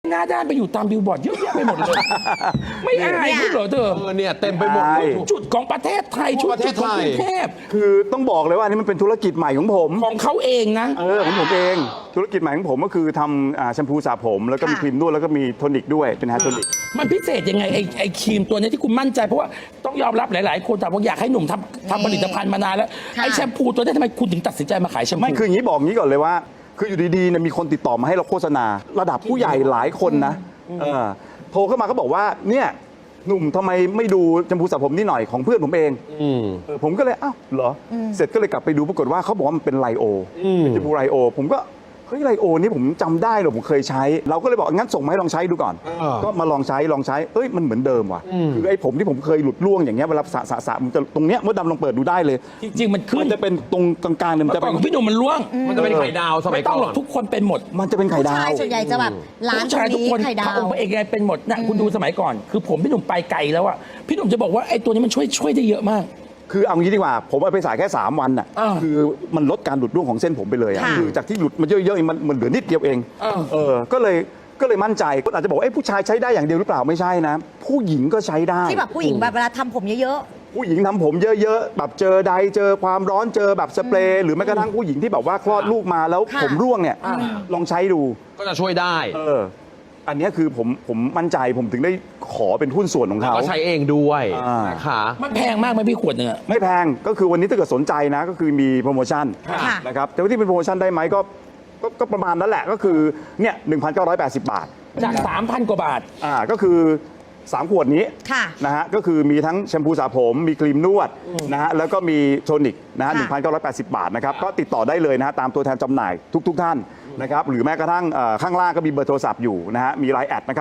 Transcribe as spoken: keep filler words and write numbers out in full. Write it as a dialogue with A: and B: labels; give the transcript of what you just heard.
A: หน้าด้านไปอยู่ตามบิลบอร์ดเยอะแยะไปหมดเลย ไม่อายพูดเหรอเธอ
B: เออเนี่ยเต็มไปหมดเลย
A: จุดของประเทศไทย
B: ทั่
A: จุ
B: ว
A: ด
B: ประเทศ
A: ของกรุง
B: ไทย
A: เทพ
C: คือต้องบอกเลยว่าอันนี้มันเป็นธุรกิจใหม่ของผม
A: ของเขาเองนะ
C: เออของผมเองธุรกิจใหม่ของผมก็คือทำอ่าแชมพูสระผมแล้วก็มี
D: ค่ะ
C: ครีมนวดแล้วก็มีโทนิกด้วยเป็นแฮร์โทนิก
A: มันพิเศษยังไงไอ้ไอ้ครีมตัวเนี้ยที่คุณมั่นใจเพราะว่าต้องยอมรับหลาย ๆ คนแต่ว่าอยากให้หนุ่มทำทำผลิตภัณฑ์มานานแล้ว
D: ค่ะ
A: ไอ้แชมพูตัวเนี้ยทำไมคุณถึงตัดสินใจมาขายแชมพู
C: ไม่คืออย่างนี้บอกงี้ก่อนเลยว่า คืออยู่ดีๆเนี่ยมีคนติดต่อมาให้เราโฆษณา ระดับผู้ใหญ่หลายคนนะเออโทรเข้ามาก็บอกว่าเนี่ยหนุ่มทำไมไม่ดูแชมพูสระผมนี่หน่อยของเพื่อนผมเอง
B: อืม
C: เออผมก็เลยอ้าวเหรออเสร็จก็เลยกลับไปดูปรากฏว่าเขาบอกว่ามันเป็นไลโอ
B: อืม
C: เป็นแชมพูไลโอ ผมก็เฮ้ยไลโอนี่ผมจำได้เหรอผมเคยใช้ เราก็เลยบอกงั้นส่งมาให้ลองใช้ดูก่อน
B: อ่า
C: ก็มาลองใช้ลองใช้เอ้ยมันเหมือนเดิมว่ะคือไอ้ผมที่ผมเคยหลุดร่วงอย่างเงี้ยเวลาสระสระสระมันจะตรงเนี้ยมดดำลองเปิดดูได้เลย
A: จริง ๆ มันขึ้
C: มัน นจะเป็นตรงกลางๆเนี่ยมัน
A: เมื่อ
C: จะ
A: ก่อ
C: เป็น น
A: ของพี่หนุ่มมันร่วง
B: มันจะเป็นไข่ดาวสมั
A: ไม่
B: ย
A: ต้
B: ก่
A: อง
B: อ
A: หรอก
B: น
A: ทุกคนเป็นหมด
C: มันจะเป็นไข่
D: ผู้
C: ดา
D: ชายว ส่วนใหญ่จะแบบร้าน
A: ผู้
D: ตร
A: ชาย
D: ง
A: ทุก
D: นี้
A: คน
D: ไข่ดา
A: พระ
D: ว
A: องค์เอกไงเป็นหมดนะคุณดูสมัยก่อน คือผมพี่หนุ่มไปไกลแล้วอะพี่หนุ่มจะบอกว่าไอ้ตัวนี้มันช่วยช่วยได้เยอะมาก
C: คือเอางี้ดีกว่า ผมเอาไปสายแค่ 3 วันน่ะ
A: อ่า
C: คือมันลดการหลุดร่วงของเส้นผมไปเลยอะ
D: ค่ะ
C: คือจากที่หลุดมันเยอะๆเองมันมันเหลือนิดเดียวเอง
A: อ่า
C: เออก็เลยก็เลยมั่นใจคนอาจจะบอกว่าเอ้ผู้ชายใช้ได้อย่างเดียวหรือเปล่าไม่ใช่นะ ผู้หญิงก็ใช้ได้
D: ที่แบบผู้หญิงแบบเวลาทำผมเยอะ
C: ผู้หญิงทำผมเยอะๆแบบเจอใดเจอความร้อนเจอแบบสเปรย์หรือแม้กระทั่งผู้หญิงที่แบบว่าคลอดลูกมาแล้ว
D: ค่ะ
C: ผมร่วงเนี่ยลองใช้ดู
B: ก็จะช่วยได้
C: เอออันเนี้ยคือผมผมมั่นใจผมถึงได้ขอเป็นหุ้นส่วนของเขา
B: ก็ใช้เองด้วย
C: อ่าน
B: นะคะ
A: มันแพงมากไหมพี่ขวดหนึ่งอะ
C: ไม่แพงก็คือวันนี้ถ้าเกิดสนใจนะก็คือมีโปรโมชั่น
D: ค่ะ
C: นะครับแต่ว่าที่เป็นโปรโมชั่นได้ไหมก็ก็ก็ประมาณนั้นแหละก็คือเนี่ยหนึ่งพันเก้าร้อยแปดสิบบาท
A: จาก สามพัน กว่าบาท
C: อ่าก็คือสามขวดนี้
D: ค่ะ
C: นะฮะก็คือมีทั้งแชมพูสระผมมีครีมนวดนะฮะแล้วก็มีโทนิกนะฮะหนึ่งพันเก้าร้อยแปดสิบบาทนะครับก็ติดต่อได้เลยนะฮะตามตัวแทนจำหน่ายทุก ๆ ท่านนะครับหรือแม้กระทั่งเอ่อข้างล่างก็มีเบอร์โทรศัพท์อยู่นะฮะมีไลน์แอดนะครับ